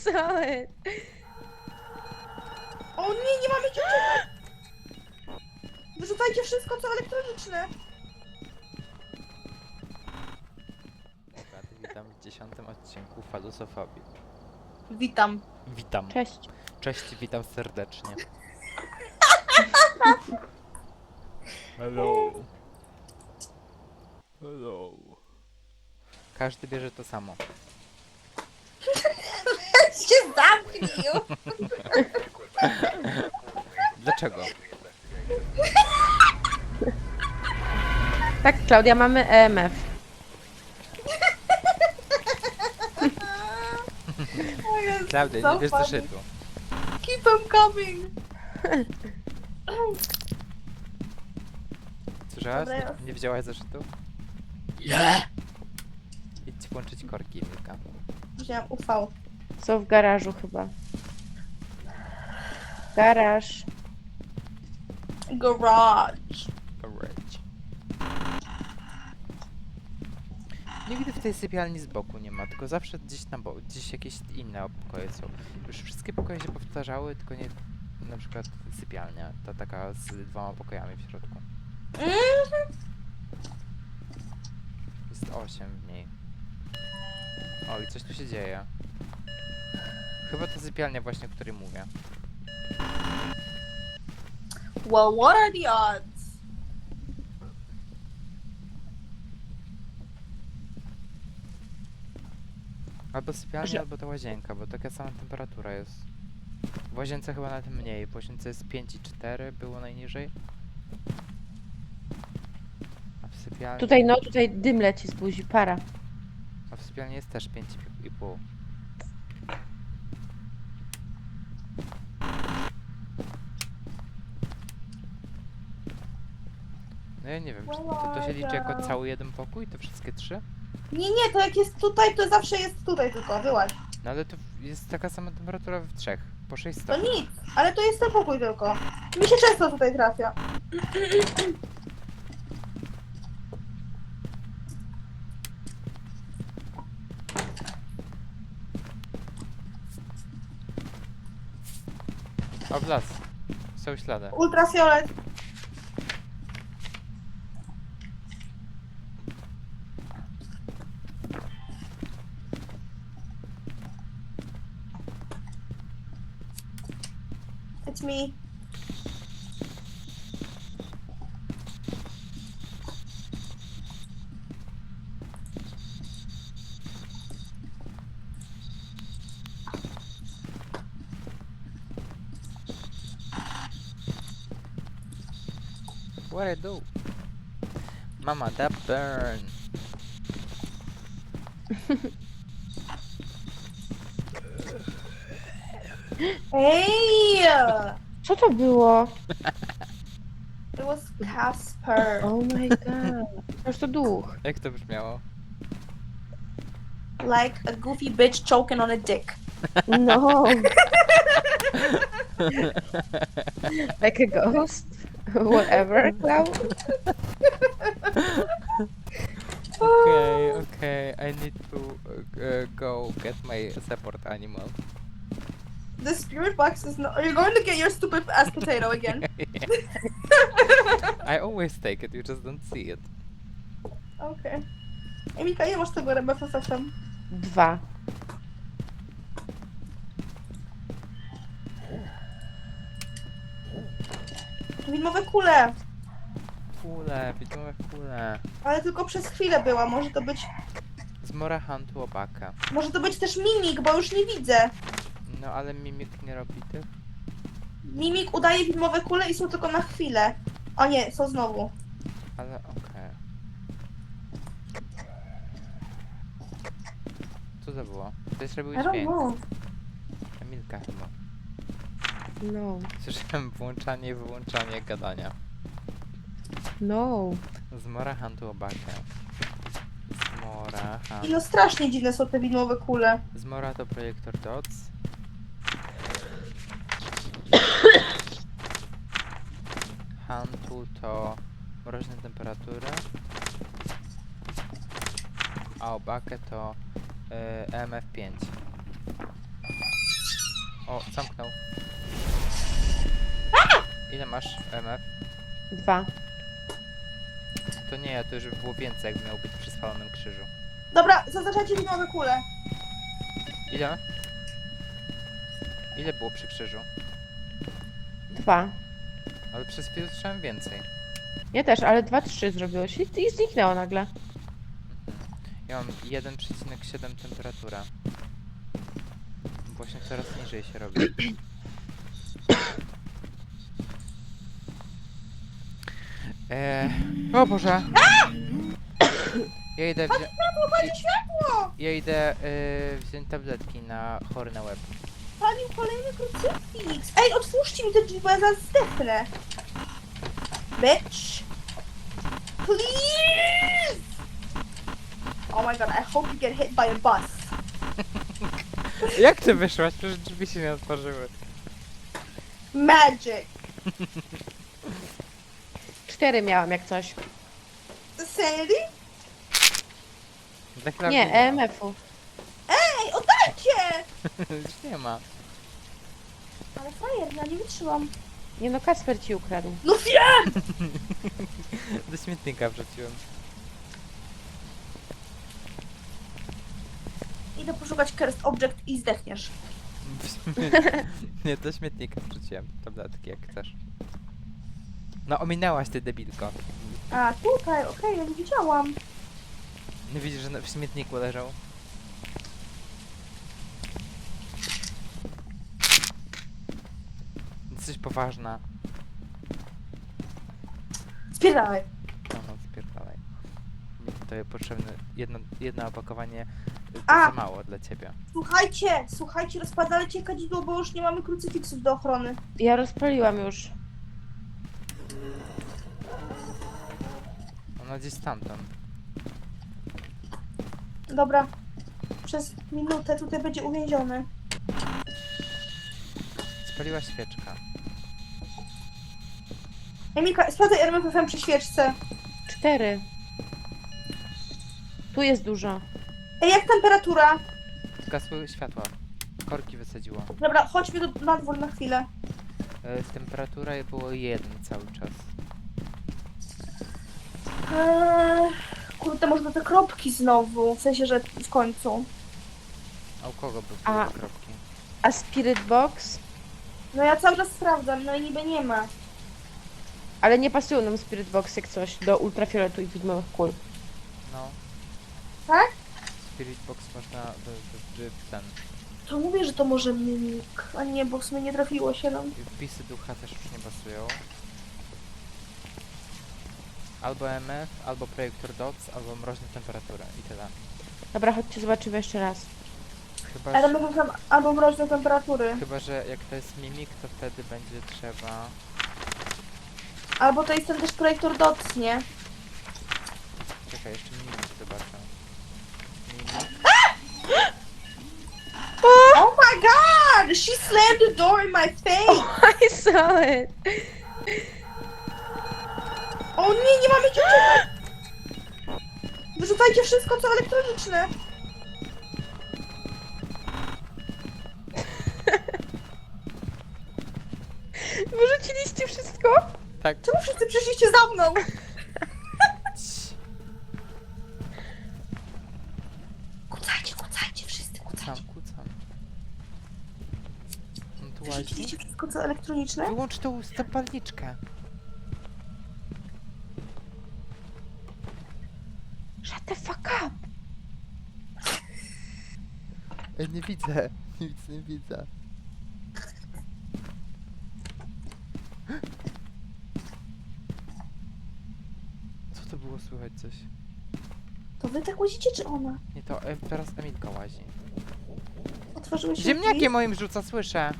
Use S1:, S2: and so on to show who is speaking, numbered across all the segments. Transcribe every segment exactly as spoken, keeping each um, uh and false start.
S1: Cały.
S2: O nie, nie mamy gdzie uciekać! Wyrzucajcie wszystko, co elektroniczne!
S3: Witam w dziesiątym odcinku Falusofobii.
S2: Witam.
S3: Witam.
S1: Cześć.
S3: Cześć, witam serdecznie. Hello. Hello. Każdy bierze to samo.
S2: się zamknij!
S3: Dlaczego?
S1: Tak, Klaudia, mamy E M F.
S3: Klaudia, nie bierz zeszytu.
S2: Keep them coming!
S3: Słyszałaś?
S2: Dobra, ja-
S3: Nie widziałaś zeszytu?
S2: Nie!
S3: Idź włączyć korki, Milka.
S2: Wziąłem U V.
S1: Są w garażu chyba. Garaż.
S2: Garage.
S3: Alright. Nigdy w tej sypialni z boku nie ma, tylko zawsze gdzieś na boku, gdzieś jakieś inne pokoje są. Już wszystkie pokoje się powtarzały, tylko nie na przykład sypialnia, ta taka z dwoma pokojami w środku.
S2: Mhm.
S3: Jest osiem w niej. O, i coś tu się dzieje. Chyba to sypialnia właśnie, o której mówię.
S2: Well, what are the odds?
S3: Albo sypialnia,
S1: Że-
S3: albo ta łazienka, bo taka sama temperatura jest. W łazience chyba nawet mniej, w łazience jest pięć i cztery, było najniżej. A w sypialni...
S1: Tutaj, no, tutaj dym leci z buzi, para.
S3: A w sypialni jest też pięć i pół. No ja nie wiem, czy to, to się liczy jako cały jeden pokój, te wszystkie trzy?
S2: Nie, nie, to jak jest tutaj, to zawsze jest tutaj tylko, wyłaź.
S3: No ale to jest taka sama temperatura w trzech, po sześć
S2: To
S3: stopni.
S2: nic, ale to jest ten pokój tylko. Mi się często tutaj trafia.
S3: O, w las. Są ślady.
S2: Ultrafiolet. It's me.
S3: What I do? Mama, that burn.
S2: Hey!
S1: Co to było?
S2: It was Casper.
S1: Oh my god. Już to duch.
S3: Jak to brzmiało?
S2: Like a goofy bitch choking on a dick.
S1: No. Like a ghost? Whatever, Cloud.
S3: Okay, okay, I need to uh, go get my support animal.
S2: The spirit box is not. Are you going to get your stupid ass potato again?
S3: I always take it, you just don't see it.
S2: Okay. Emika, ile masz tego R B F tam?
S1: Dwa.
S2: Widmowe kule.
S3: Kule, widmowe kule.
S2: Ale tylko przez chwilę była. Może to być.
S3: Zmora Huntu Obaka.
S2: Może to być też mimik, bo już nie widzę.
S3: No ale mimik nie robi tych.
S2: Mimik udaje widmowe kule i są tylko na chwilę. O nie, są znowu.
S3: Ale okej. Co to było? Ktoś robił
S2: I don't
S3: dźwięk.
S2: know.
S3: Emilka chyba.
S1: No.
S3: Słyszałem włączanie i wyłączanie gadania.
S1: No.
S3: Zmora Huntu Obaka. Zmora
S2: I
S3: Hunt.
S2: no strasznie dziwne są te widmowe kule.
S3: Zmora to projektor dots. Huntu to mroźne temperatury. A Obakę to y, E M F pięć. O, zamknął. Ile masz M F?
S1: Dwa.
S3: To nie, to już by było więcej, jakby miał być przy spalonym krzyżu.
S2: Dobra, zaznaczajcie filmowe kule.
S3: Ile? Ile było przy krzyżu?
S1: Dwa.
S3: Ale przez chwilę słyszałem więcej.
S1: Ja też, ale dwa, trzy zrobiłeś i, i zniknęło nagle.
S3: Ja mam jeden przecinek siedem temperatura. Właśnie coraz niżej się robi. Eee, o Boże! Ja idę wziąć...
S2: Palił światło!
S3: Ja idę yy, wziąć tabletki na chory na łeb.
S2: Palił kolejny krucyfiks. Ej, otwórzcie mi te drzwi, bo ja zaraz zdechnę. Bitch. Please! Oh my god, I hope you get hit by a bus.
S3: Jak ty wyszłaś? Przecież drzwi się nie otworzyły.
S2: Magic.
S1: Cztery miałam jak coś.
S2: Sanity?
S3: Dla Klaudii
S1: Nie,
S3: ma.
S1: E M F-u.
S2: Ej, oddajcie!
S3: Już nie ma.
S2: Ale frajer, ja nie wytrzymam.
S1: Nie no, Kacper ci ukradł.
S2: No wiem!
S3: Do śmietnika wrzuciłem.
S2: Idę poszukać cursed object i zdechniesz.
S3: W sumie- Nie, do śmietnika wrzuciłem tabletki, jak chcesz. No, ominęłaś ty, debilko.
S2: A, tutaj, okej, ja nie widziałam.
S3: Nie widzisz, że na- w śmietniku leżał? Jesteś poważna.
S2: Spierdalaj.
S3: No, no, spierdalaj. Mi tutaj potrzebne jedno, jedno opakowanie. y, To
S2: A!
S3: za mało dla ciebie.
S2: Słuchajcie, słuchajcie, rozpadalcie kadzidło, bo już nie mamy krucyfiksów do ochrony.
S1: Ja rozpaliłam już.
S3: Ono gdzieś stamtąd.
S2: Dobra. Przez minutę tutaj będzie uwięziony.
S3: Spaliła świeczka.
S2: Emilka, sprawdzaj R M F F M przy świeczce.
S1: Cztery. Tu jest dużo.
S2: Ej, jak temperatura?
S3: Zgasły światła. Korki wysadziło.
S2: Dobra, chodźmy do, na dwór na chwilę.
S3: E, temperatura było jeden cały czas.
S2: Eee, kurde, może te kropki znowu. W sensie, że w końcu.
S3: A u kogo były
S1: A.
S3: te kropki?
S1: A Spirit Box?
S2: No ja cały czas sprawdzam, no i niby nie ma.
S1: Ale nie pasują nam Spirit Box jak coś do ultrafioletu i widmowych kul.
S3: No.
S2: Tak?
S3: Spirit Box można do, do, do, ten.
S2: To mówię, że to może mimik. A nie, bo w sumie nie trafiło się nam.
S3: I wpisy ducha też już nie pasują. Albo M F, albo projektor dots, albo mroźna temperatura i tyle.
S1: Dobra, chodźcie zobaczymy jeszcze raz.
S3: Chyba,
S2: R M
S3: że,
S2: F F M albo mroźne temperatury.
S3: chyba, że jak to jest mimik, to wtedy będzie trzeba...
S2: Albo to jest ten też projektor dots, nie?
S3: Czekaj, jeszcze mimik zobaczę. Mimik.
S2: Oh my god! She slammed the door in my face!
S1: I saw it!
S2: O nie, nie mamy gdzie uciekać! Wyrzucajcie wszystko, co elektroniczne!
S1: Wyrzuciliście wszystko?
S3: Tak.
S2: Czemu wszyscy przyszliście za mną?
S3: Cii.
S2: Kucajcie, kucajcie, wszyscy kucajcie.
S3: Kucam, kucam. On tu łazi.
S2: Wyrzuciliście wszystko, co elektroniczne?
S3: Wyłącz tą zapalniczkę.
S1: Shut the fuck up!
S3: Ja nie widzę. Nic nie widzę. Co to było słychać coś?
S2: To wy tak łazicie, czy ona?
S3: Nie, to e, teraz Emilka łazi.
S2: Otworzyły się
S3: Ziemniakiem
S2: drzwi?
S3: moim rzuca, słyszę.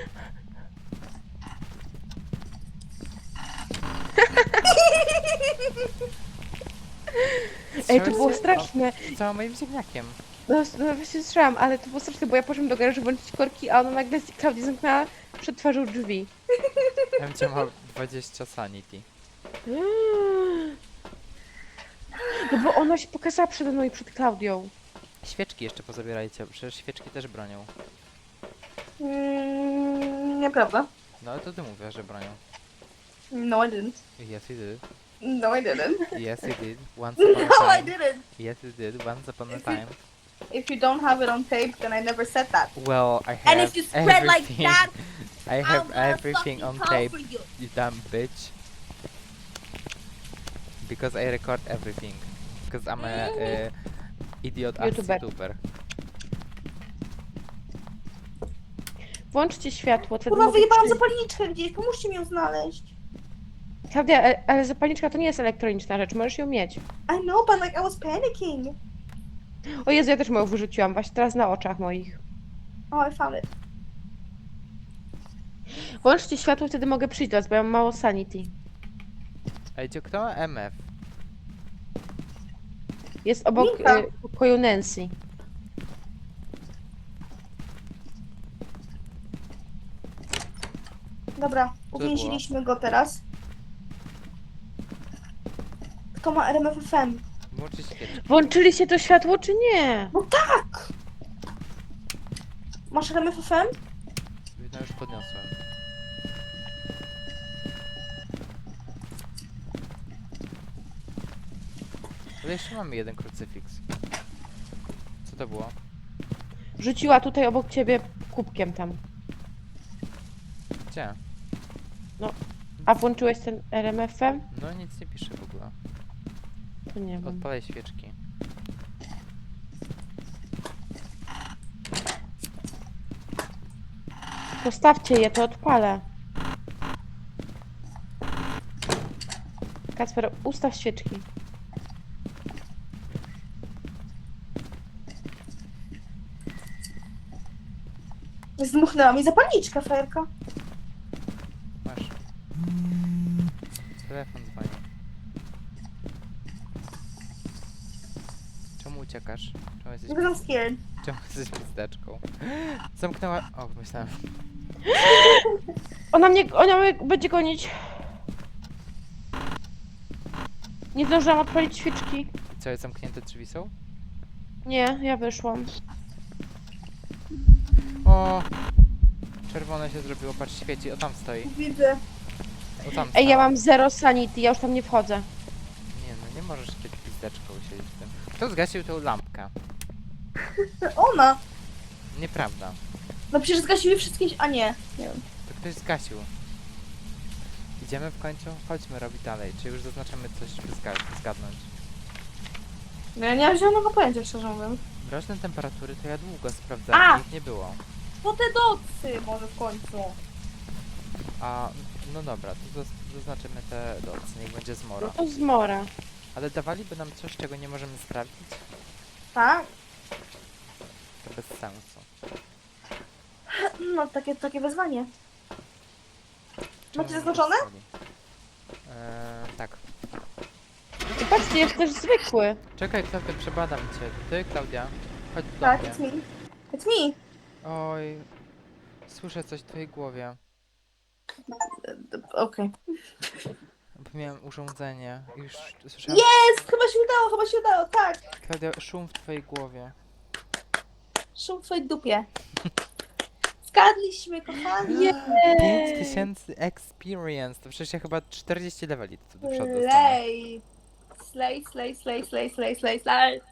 S1: Ej, to było
S3: Strzałeś-
S1: straszne.
S3: O, cała moim ziemniakiem.
S1: No, no właśnie słyszałam, ale to było straszne, bo ja poszłam do garażu włączyć korki, a ona nagle z Klaudii zamknęła przed twarzą drzwi.
S3: Ja bym cię miał dwadzieścia sanity.
S1: No bo ona się pokazała przede mną i przed Klaudią.
S3: Świeczki jeszcze pozabierajcie, przecież świeczki też bronią.
S2: Mm, Nieprawda.
S3: No ale to ty mówisz, że bronią.
S2: No, I didn't.
S3: Yes, you did.
S2: No, I didn't.
S3: Yes, you did. Once upon
S2: No,
S3: a
S2: I
S3: time.
S2: didn't.
S3: Yes, you did. Once upon a
S2: If you-
S3: time.
S2: If you don't have it on tape, then I never said that.
S3: Well, I have
S2: And if you spread like
S3: everything.
S2: that,
S3: I
S2: I'm
S3: have
S2: gonna
S3: everything
S2: fucking
S3: on
S2: call
S3: tape,
S2: for you.
S3: you dumb bitch. Because I record everything. Because I'm a, uh idiot ass
S1: YouTuber.
S3: YouTuber.
S1: Włączcie światło, wtedy
S2: Kurwa,
S1: mogę
S2: wyjebałam
S1: przyjść.
S2: zapalniczkę gdzieś, pomóżcie mi ją znaleźć.
S1: Klaudia, e- ale zapalniczka to nie jest elektroniczna rzecz, możesz ją mieć.
S2: I know, but like I was panicking.
S1: O Jezu, ja też moją wyrzuciłam, właśnie teraz na oczach moich.
S2: Oh, I found it.
S1: Włączcie światło, wtedy mogę przyjść do was, bo ja mam mało sanity.
S3: Ej, gdzie kto ma M F?
S1: Jest obok
S2: Linka.
S1: e, pokoju Nancy.
S2: Dobra, uwięziliśmy go teraz. Kto ma R M F F M?
S3: Włączyć świeczkę.
S1: Włączyliście to światło, czy nie?
S2: No tak! Masz R M F F M?
S3: No już podniosłem. Ale jeszcze mamy jeden krucyfiks. Co to było?
S1: Rzuciła tutaj obok ciebie kubkiem tam.
S3: Gdzie?
S1: A włączyłeś ten R M F M?
S3: No nic nie pisze w ogóle.
S1: To nie wiem.
S3: Odpalaj świeczki.
S1: Postawcie je, to odpalę. Kacper, ustaw świeczki.
S2: Zdmuchnęła mi zapalniczkę, frajerka.
S3: Masz. Telefon dzwoni. Czemu uciekasz? Czemu jesteś,
S2: Because I'm scared.
S3: czemu jesteś pizdeczką? Zamknęła... O, myślałem.
S1: Ona mnie, ona mnie będzie gonić. Nie zdążyłam odpalić świeczki.
S3: Co, jest zamknięte drzwi są?
S1: Nie, ja wyszłam.
S3: O! Czerwone się zrobiło, patrz, świeci. O, tam stoi.
S2: Widzę.
S3: O, tam
S1: Ej, ja
S3: stała.
S1: mam zero sanity, ja już tam nie wchodzę.
S3: Nie no, nie możesz być pizdeczką siedzieć w tym. Kto zgasił tą lampkę?
S2: Ona!
S1: Nieprawda.
S2: No przecież zgasiły wszystkie... A nie. Nie wiem.
S3: To ktoś zgasił. Idziemy w końcu? Chodźmy robić dalej. Czy już zaznaczymy coś, żeby zga- zgadnąć?
S2: No ja nie mam zielonego pojęcia, szczerze mówiąc.
S3: Mroźne temperatury to ja długo sprawdzałem,
S2: A!
S3: nic nie było.
S2: To te docy może w końcu.
S3: A, no dobra, to zaz- zaznaczymy te docy, niech będzie
S1: No
S3: zmora.
S1: to zmora.
S3: Ale dawaliby nam coś, czego nie możemy sprawdzić?
S2: Tak?
S3: To bez sensu.
S2: No takie, takie wyzwanie.
S3: Czemu
S2: Macie
S3: nie
S2: zaznaczone?
S3: wysłali? Eee, tak.
S1: I patrzcie, jest też zwykły.
S3: Czekaj, Klaudia, przebadam cię. Ty, Klaudia, chodź do
S2: Tak,
S3: mnie.
S2: it's me. It's me.
S3: Oj, słyszę coś w twojej głowie.
S2: Okej.
S3: Bo miałem urządzenie. Już słyszałem.
S2: Jest! Chyba się udało, chyba się udało, tak.
S3: Klaudia, szum w twojej głowie.
S2: Szum w twojej dupie. Zgadliśmy, kochani.
S3: pięć tysięcy experience. To przecież ja chyba czterdzieści leveli tu do przodu dostanę.
S2: Slay. Slay, slay, slay, slay, slay, slay, slay.